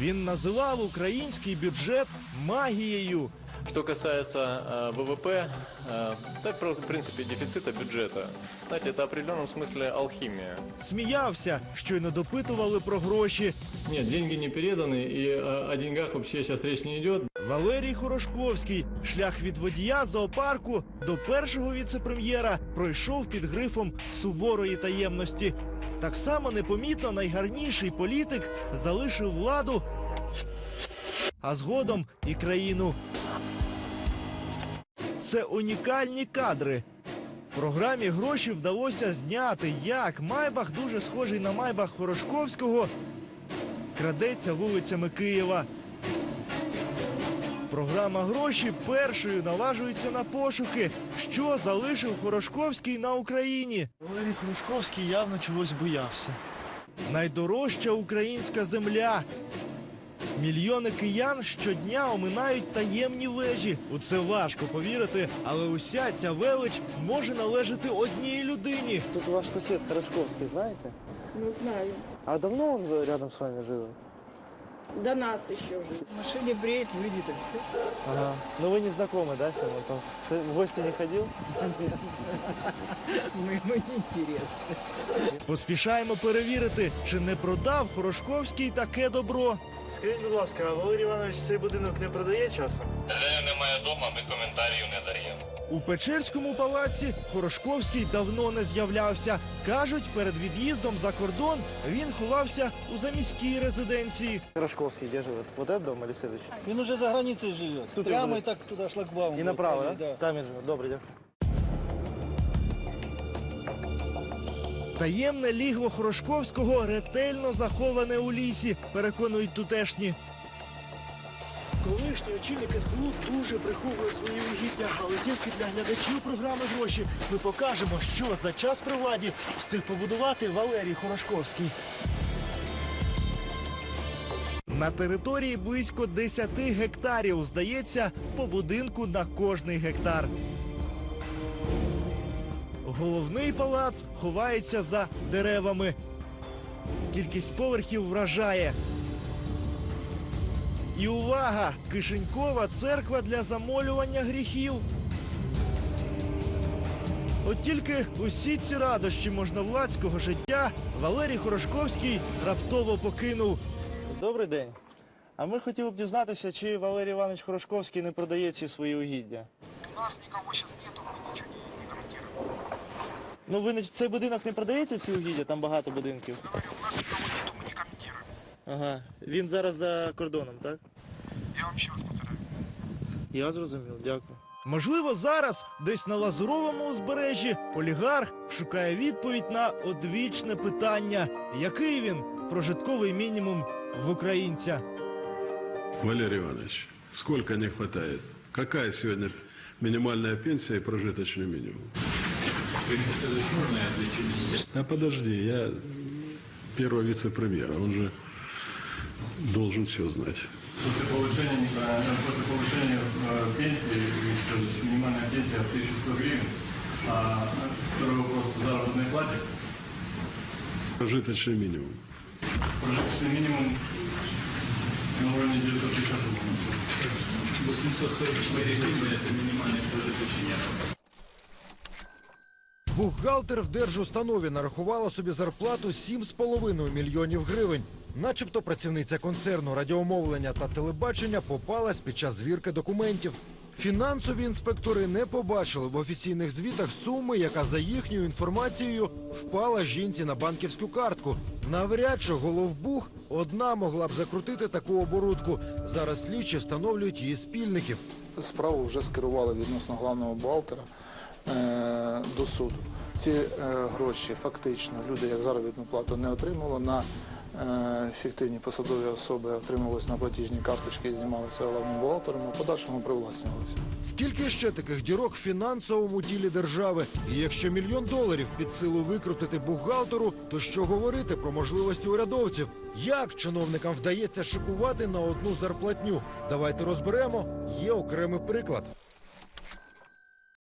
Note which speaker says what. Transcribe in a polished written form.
Speaker 1: Він називав український бюджет магією.
Speaker 2: Что касается ВВП, так, в принципе, дефицита бюджета. Знаете, это в определенном смысле алхимия.
Speaker 1: Сміявся, щойно допитували про гроші.
Speaker 2: Нет, деньги не переданы, и о деньгах вообще сейчас речь не идет.
Speaker 1: Валерій Хорошковський шлях від водія зоопарку до першого віце-прем'єра пройшов під грифом суворої таємності. Так само непомітно найгарніший політик залишив владу, а згодом і країну. Це унікальні кадри. Програмі «Гроші» вдалося зняти, як Майбах, дуже схожий на Майбах Хорошковського, крадеться вулицями Києва. Програма «Гроші» першою наважується на пошуки, що залишив Хорошковський на Україні.
Speaker 3: Валерій Хорошковський явно чогось боявся.
Speaker 1: Найдорожча українська земля. Мільйони киян щодня оминають таємні вежі. У це важко повірити, але уся ця велич може належати одній людині.
Speaker 3: Тут ваш сосед Хорошковский, знаете?
Speaker 4: Ну, знаю.
Speaker 3: А давно он рядом с вами жил?
Speaker 4: До нас еще жил.
Speaker 5: В машине бреет, выйдет и все.
Speaker 3: Ага. Ну вы не знакомы, да, с ним? Он там в гости не ходил?
Speaker 5: Ему неинтересно.
Speaker 1: Поспішаємо перевірити, чи не продав Хорошковський таке добро.
Speaker 3: Скажіть, будь ласка, а Валерій Іванович цей будинок не продає часом?
Speaker 2: Немає дома, ми коментарів не даємо.
Speaker 1: У Печерському палаці Хорошковський давно не з'являвся. Кажуть, перед від'їздом за кордон він ховався у заміській резиденції.
Speaker 3: Хорошковский где живет? Вот этот дом или следующий?
Speaker 5: Он уже за границей живет.
Speaker 3: Тут
Speaker 5: Прямо
Speaker 3: его-
Speaker 5: и так туда шлагбаум.
Speaker 3: И направо, да?
Speaker 5: да?
Speaker 3: Там він живе. Добре, дякую.
Speaker 1: Таємне лігво Хорошковського ретельно заховане у лісі, переконують тутешні.
Speaker 3: Колишній очільник СБУ дуже приховує свої угіддя, але тільки для глядачів програми «Гроші» ми покажемо, що за час при владі встиг побудувати Валерій Хорошковський.
Speaker 1: На території близько 10 гектарів, здається, по будинку на кожний гектар. Головний палац ховається за деревами. Кількість поверхів вражає. І увага! Кишенькова церква для замолювання гріхів. От тільки усі ці радощі можновладського життя Валерій Хорошковський раптово покинув.
Speaker 3: Добрий день. А ми хотіли б дізнатися, чи Валерій Іванович Хорошковський не продає ці свої угіддя.
Speaker 6: У нас никого сейчас нету, мы ничего не комментируем.
Speaker 3: Ну, ви цей будинок не продається, ці угіддя? Там багато будинків.
Speaker 6: Говорю, у нас никого нету, мы не комментируем.
Speaker 3: Ага. Він зараз за кордоном, так?
Speaker 6: Я вам еще раз повторяю.
Speaker 3: Я зрозумів, дякую.
Speaker 1: Можливо, зараз десь на Лазуровому узбережжі олігарх шукає відповідь на одвічне питання. Який він прожитковий мінімум в українця?
Speaker 7: Валерий Иванович, сколько не хватает? Какая сегодня минимальная пенсия и прожиточный минимум? А подожди, я первого вице-премьера, он же должен все знать.
Speaker 8: После повышения пенсии, то есть минимальная пенсия 1100 гривен, а второй вопрос по заработной плате,
Speaker 7: Прожиточный минимум.
Speaker 8: прожиточный минимум на уровне 950 рублей. 844 гривны – это минимальный прожиточный минимум.
Speaker 9: Бухгалтер в держустанові нарахувала собі зарплату 7,5 мільйонів гривень. Начебто працівниця концерну радіомовлення та телебачення попалась під час звірки документів. Фінансові інспектори не побачили в офіційних звітах суми, яка, за їхньою інформацією, впала жінці на банківську картку. Навряд чи головбух одна могла б закрутити таку оборудку. Зараз слідчі встановлюють її спільників.
Speaker 10: Справу вже скерували відносно главного бухгалтера до суду. Ці гроші фактично люди як заробітну плату не отримали, на фіктивні посадові особи отримувалися на платіжні карточки і знімалися головним бухгалтером, а в подальшому привласнювалися.
Speaker 9: Скільки ще таких дірок в фінансовому тілі держави? І якщо $1 мільйон під силу викрутити бухгалтеру, то що говорити про можливості урядовців? Як чиновникам вдається шикувати на одну зарплатню? Давайте розберемо. Є окремий приклад.